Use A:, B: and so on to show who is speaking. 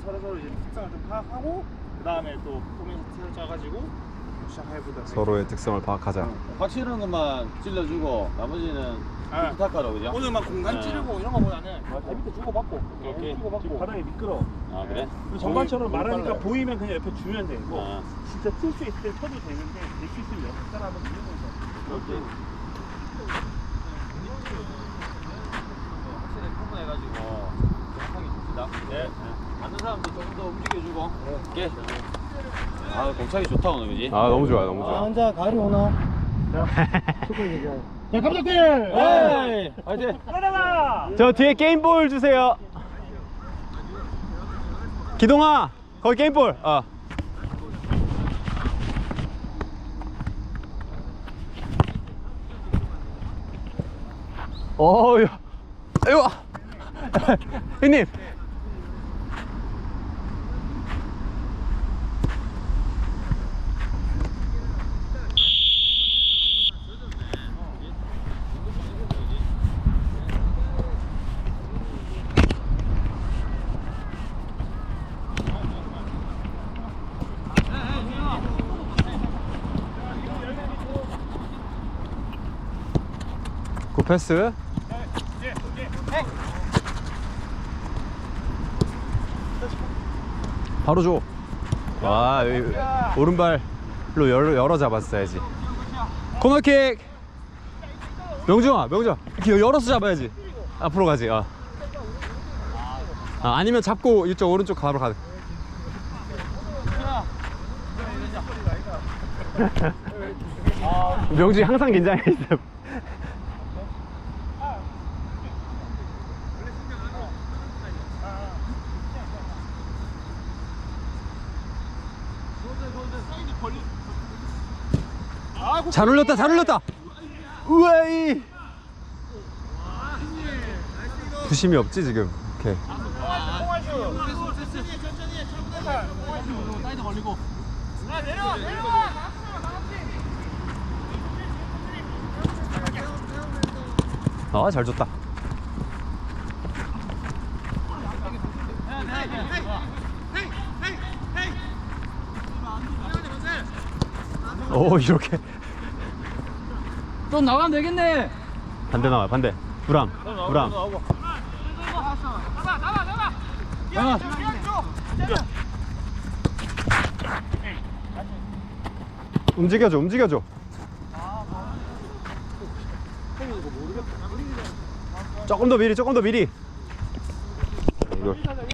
A: 서로 이제 특성을 좀 파악하고 그 다음에 또 포맷을 짜가지고 시작해보자.
B: 서로의 특성을 파악하자.
C: 확실한 것만 찔러주고 나머지는
A: 아,
C: 부탁하러 그죠?
A: 오늘만 공간
C: 네.
A: 찌르고 이런 거보다는 발 밑에 주고받고
C: 오케이.
A: 주고받고
D: 바닥에 미끄러.
C: 아 그래?
D: 정관처럼
A: 거의
D: 말하니까
A: 빨라요.
D: 보이면 그냥 옆에 주면 되고
C: 아,
D: 진짜 튈 수 있을 때 쳐도 되는데 될 수 있으면 옆에 사람은 밀는
C: 오케이. 확실히 구분해가지고 정확하게 줍시다. 네. 맞는 사람도 조금 더 움직여주고. 오케이. 아 공차기 좋다 오늘 그지?
B: 아 너무 좋아요, 너무 좋아.
A: 혼자 가을이 오나? 축구 얘기하자. 자 감독님!
C: 에이! 화이팅!
D: 가다가
B: 저 뒤에 게임볼 주세요. 기동아, 거기 게임볼. 야. 아이고. 형님. 굿패스. 바로 줘. 와, 여기 오른발로 열어 잡았어야지. 코너킥. 명중아, 이렇게 열어서 잡아야지. 앞으로 가지. 아니면 잡고 이쪽 오른쪽 바로 가. 명중이 항상 긴장해 있어. 잘 올렸다, 잘 올렸다. 우와이. 부심이 없지 지금. 오케이.
A: 사이드 걸리고. 내려와.
B: 잘 줬다. 오, 이렇게
A: 좀 나가면 되겠네.
B: 반대 나와, 반대. 부람. 움직여줘. 조금 더 미리. 이거.